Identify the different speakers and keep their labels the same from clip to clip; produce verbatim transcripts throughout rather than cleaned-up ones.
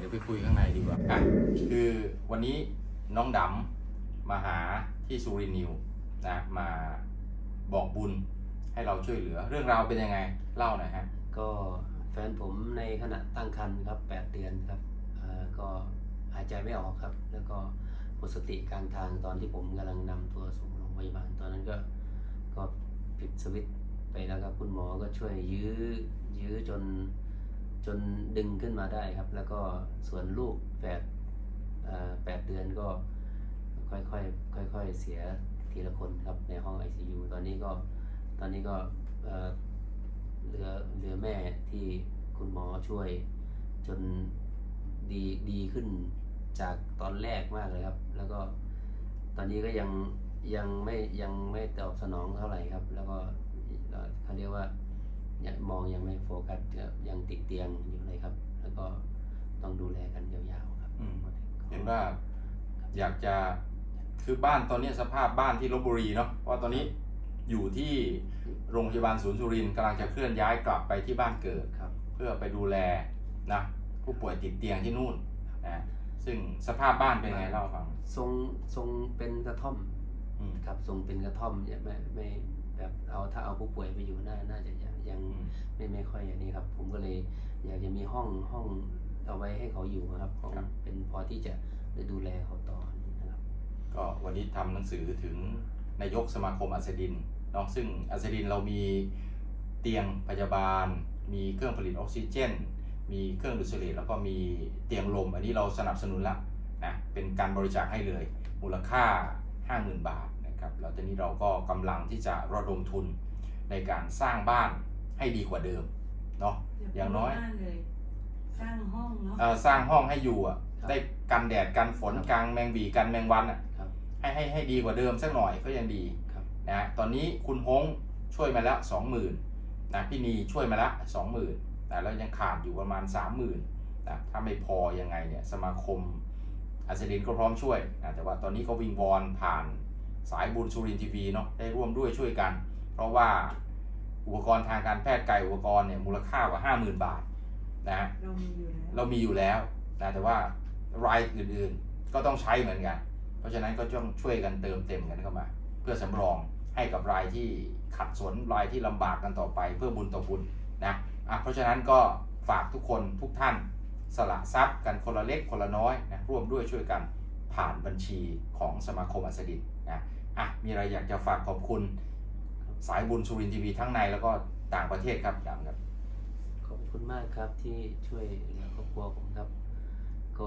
Speaker 1: ดี๋ยวไปคุยข้างในดีกว่าอ่ะคือวันนี้น้องดำมาหาที่สุรินทร์นิวนะมาบอกบุญให้เราช่วยเหลือเรื่องราวเป็นยังไงเล่าหน่อยฮะ
Speaker 2: ก็แฟนผมในขณะตั้งครรภ์ครับแปดเดือนครับอ่าก็หายใจไม่ออกครับแล้วก็หมดสติกลางทางตอนที่ผมกำลังนำตัวส่งโรงพยาบาลตอนนั้นก็ก็ปิดสวิตช์ไปแล้วครับคุณหมอก็ช่วยยื้อยื้อจนจนดึงขึ้นมาได้ครับแล้วก็ส่วนลูกแปดอ่าแปดเดือนก็ค่อยๆค่อยๆเสียทีละคนครับในห้อง ไอ ซี ยู ตอนนี้ก็ตอนนี้ก็เอ่อเหลือเหลือแม่ที่คุณหมอช่วยจนดีดีขึ้นจากตอนแรกมากเลยครับแล้วก็ตอนนี้ก็ยังยังไม่ยังไม่ตอบสนองเท่าไหร่ครับแล้วก็เขาเรียกว่ายังมองยังไม่โฟกัสยังติดเตียงอยู่เลยครับแล้วก็ต้องดูแลกันยาวๆครับ
Speaker 1: เห็นว่าอยากจะคือบ้านตอนนี้สภาพบ้านที่ลพบุรีเนาะเพราะตอนนี้อยู่ที่โรงพยาบาลศูนย์สุรินทร์กำลังจะเคลื่อนย้ายกลับไปที่บ้านเกิดเพื่อไปดูแลนะผู้ป่วยติดเตียงที่นู่นนะซึ่งสภาพบ้านเป็นไงเล่าฟัง
Speaker 2: ทรงทรงเป็นกระท่อมครับทรงเป็นกระท่อมเนี่ยไม่ไม่แบบเอาถ้าเอาผู้ป่วยไปอยู่น่าน่าจะยังยังไม่ไม่ค่อยอย่างนี้ครับผมก็เลยอยากจะมีห้องห้องเอาไว้ให้เขาอยู่ครับของเป็นพอที่จะได้ดูแลเขาต่อนะครับ
Speaker 1: ก็วันนี้ทำหนังสือถึงนายกสมาคมอัสดินเนาะซึ่งอัสดินเรามีเตียงพยาบาลมีเครื่องผลิตออกซิเจนมีเครื่องดูดเสลดแล้วก็มีเตียงลมอันนี้เราสนับสนุนละนะเป็นการบริจาคให้เลยมูลค่า ห้าหมื่น บาทนะครับแล้วตอนนี้เราก็กำลังที่จะระดมทุนในการสร้างบ้านให้ดีกว่าเดิมเนาะอย่างน้อย
Speaker 3: สร้างห้องเนาะ
Speaker 1: สร้างห้องให้อยู่อ่ะได้กันแดดกันฝนกลางแมงบีกันแมงวันอ่ะให้ให้ให้ดีกว่าเดิมสักหน่อยก็ยังดีนะตอนนี้คุณฮงช่วยมาแล้ว สองหมื่น นะพี่นีช่วยมาแล้ว สองหมื่น นะแล้วยังขาดอยู่ประมาณ สามหมื่น นะถ้าไม่พอยังไงเนี่ยสมาคมอัสดินก็พร้อมช่วยนะแต่ว่าตอนนี้ก็วิงวอนผ่านสายบุญสุรินทร์ทีวีเนาะได้ร่วมด้วยช่วยกันเพราะว่าอุปกรณ์ทางการแพทย์ไกลอุปกรณ์เนี่ยมูลค่ากว่า ห้าหมื่น บาทนะ
Speaker 3: เรามีอยู่แล้ว
Speaker 1: เรามีอยู่แล้วนะแต่ว่ารายอื่นๆก็ต้องใช้เหมือนกันเพราะฉะนั้นก็ต้องช่วยกันเติมเต็มกันเข้ามาเพื่อสำรองให้กับรายที่ขัดสนรายที่ลำบากกันต่อไปเพื่อบุญต่อบุญนะอ่ะเพราะฉะนั้นก็ฝากทุกคนทุกท่านสละทรัพย์กันคนละเล็กคนละน้อยนะร่วมด้วยช่วยกันผ่านบัญชีของสมาคมอัสดินนะอ่ะมีอะไรอยากจะฝากขอบคุณสายบุญสุรินทร์ทีวีทั้งในแล้วก็ต่างประเทศครับอย่างครับ
Speaker 2: ขอบคุณมากครับที่ช่วยเหลือครอบครัวผมครับก็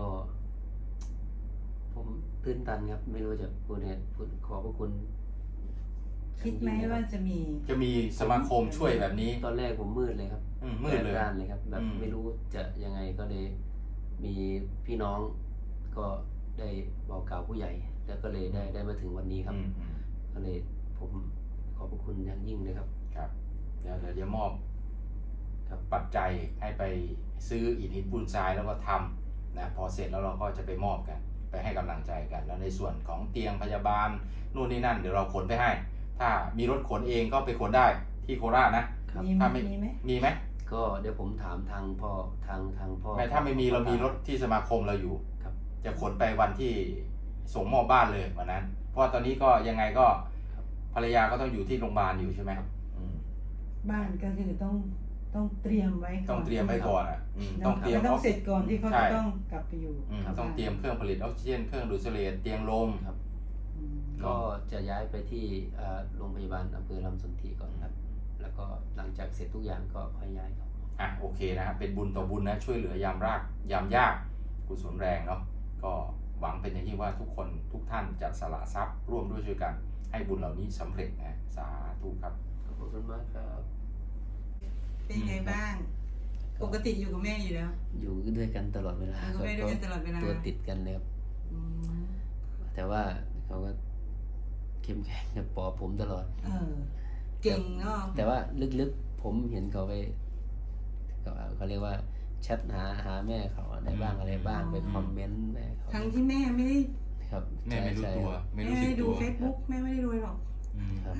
Speaker 2: ผมตื้นตันครับไม่รู้จะพูดเนี่ยพูดขอบพระคุณ
Speaker 3: คิดไหมว่าจะมี
Speaker 1: จะมีสมาคมช่วยแบบนี้
Speaker 2: ตอนแรกผมมืดเลยครับ
Speaker 1: มืดเลย
Speaker 2: ด้านเลยครับแบบไม่รู้จะยังไงก็เลยมีพี่น้องก็ได้บอกกล่าวผู้ใหญ่แล้วก็เลยได้ได้มาถึงวันนี้ครับก็เลยผมขอบพระคุณอย่างยิ่งเลยครับ
Speaker 1: ครับเดี๋ยวเดี๋ยวมอบปัจจัยให้ไปซื้ออิฐหินปูนทรายแล้วก็ทำนะพอเสร็จแล้วเราก็จะไปมอบกันไปให้กำลังใจกันแล้วในส่วนของเตียงพยาบาลนู่นนี่นั่นเดี๋ยวเราขนไปให้ถ้ามีรถขนเองก็ไปขนได้ที่โคราชนะ
Speaker 3: ถ้าไม่มีไหม
Speaker 1: มีไหม
Speaker 2: ก็เดี๋ยวผมถามทางพ่อทางทางพ่อ
Speaker 1: ไม่ถ้าไม่มีเรามีรถที่สมาคมเราอยู่จะขนไปวันที่ส่งมอบบ้านเลยวันนั้นเพราะตอนนี้ก็ยังไงก็ภรรยาก็ต้องอยู่ที่โรงพยาบาลอยู่ใช่ไหม
Speaker 3: บ้านก็คือต้องต้องเตรียมไว้ก่อน
Speaker 1: ต้องเตรียมไว้ก่อนอ่ะ
Speaker 3: ต้องเตรียมต้องเสร็จก่อนที่เขาจะต้องกลับไปอยู่
Speaker 1: ต้องเตรียมเครื่องผลิตออกซิเจนเครื่องดูดเสลดเตียงลม
Speaker 2: ครับก็จะย้ายไปที่โรงพยาบาลอำเภอลำสนธิก่อนครับแล้วก็หลังจากเสร็จทุกอย่างก็ค่อยย้ายครับ
Speaker 1: อ่ะโอเคนะครับเป็นบุญต่อบุญนะช่วยเหลือยามรากยามยากกุศลแรงเนาะก็หวังเป็นอย่างยิ่งว่าทุกคนทุกท่านจะสละทรัพย์ร่วมด้วยช่วยกันให้บุญเหล่านี้สำเร็จนะสาธุครับ
Speaker 2: ขอบคุณมากครับ
Speaker 3: เป็นไงบ้างปกติอยู่กับแม่อยู่แล้ว
Speaker 2: อยู่ด้วยกันตลอดเวลา
Speaker 3: อยู่ด้วยกันตลอดเวลา
Speaker 2: ตัวติดกันเลยครับแต่ว่าเขาก็เข้มแข็งกับปอผมตลอด
Speaker 3: เออเก่งเนาะ
Speaker 2: แต่ว่าลึกๆผมเห็นเขาไปเขาเรียกว่าแชทหาหาแม่เขาอะไรบ้างอะไรบ้างไปคอมเมนต์แม่เขา
Speaker 3: ทั้งที่แม่ไม่ได้
Speaker 2: ครับ
Speaker 1: แม่ไม่รู้ตัว
Speaker 3: ไม่รู้สึกตัวดูเฟซบุ๊กแม่ไม่ได้ดูหรอก
Speaker 2: ครับ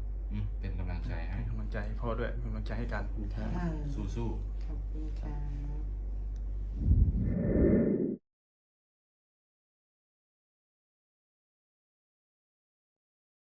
Speaker 1: เป็นกำลังใจให้
Speaker 4: กำลังใจพ่อด้วยกำลังใจให้กัน
Speaker 1: สู้ๆ
Speaker 3: ขอบคุณค่ะ